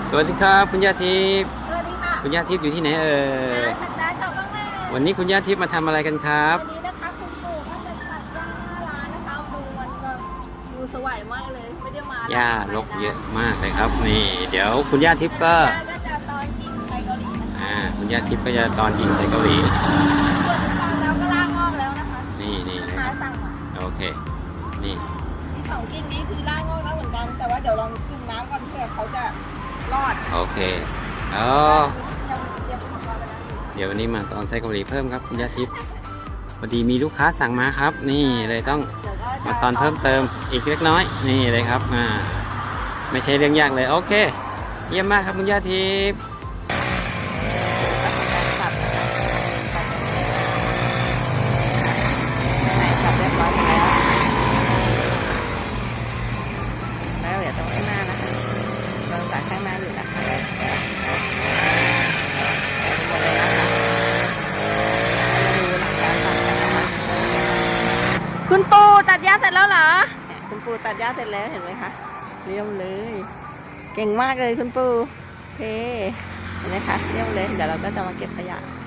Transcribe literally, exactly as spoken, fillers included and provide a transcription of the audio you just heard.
สวัสดีครับคุณย่าทิพย์สวัสดีค่ะคุณย่าทิพย์อยู่ที่ไหนเอ่ยร้านร้านจอบบ้างแม่วันนี้คุณย่าทิพย์มาทำอะไรกันครับวันนี้นะคะคุณปู่ก็จะตัดหญ้าร้านนะคะดูมันก็ดูสวยมากเลยไม่ได้มาหญ้ารกเยอะมากเลยครับนี่เดี๋ยวคุณย่าทิพย์ก็ก็จะตอนกินไทยเกาหลีนะคะอ่าคุณย่าทิพย์ก็จะตอนยิงใส่เกาหลีส่วนฟังแล้วก็ลากงอกแล้วนะคะนี่นี่ลูกนะคค้ารับสั่งมาโอเคนี่ที่สองกิ่งนี้คือลากงอกแล้วเหมือนกันแต่ว่าเดี๋ยวลองกินน้ำก่อนเผื่อเขาจะรอดโอเคอ๋อยังยังเป็นของเราไปแล้วเดี๋ยววันนี้มาตอนใส่เกาหลีเพิ่มครับคุณย่าทิพย์พอดีมีลูกค้าสั่งมาครับ นี่เลยต้องมาตอนเพิ่มเติมอีกเล็กน้อยนี่เลยครับอ่าไม่ใช่เรื่องยากเลยโอเคเยี่ยมมากครับคุณย่าทิพย์จับเรียบร้อยแล้วแล้วเดี๋ยวตรงข้างหน้านะคะเราจากข้างหน้าอยู่นะคะหมดเลยนะคะดูหลังการตัดกันนะคะคุณปูตัดหญ้าเสร็จแล้วเหรอคุณปูตัดหญ้าเสร็จแล้วเห็นไหมคะเรียบเลยเก่งมากเลยคุณปูโอเคเห็นไหมคะเรียบเลยเดี๋ยวเราก็จะมาเก็บขยะ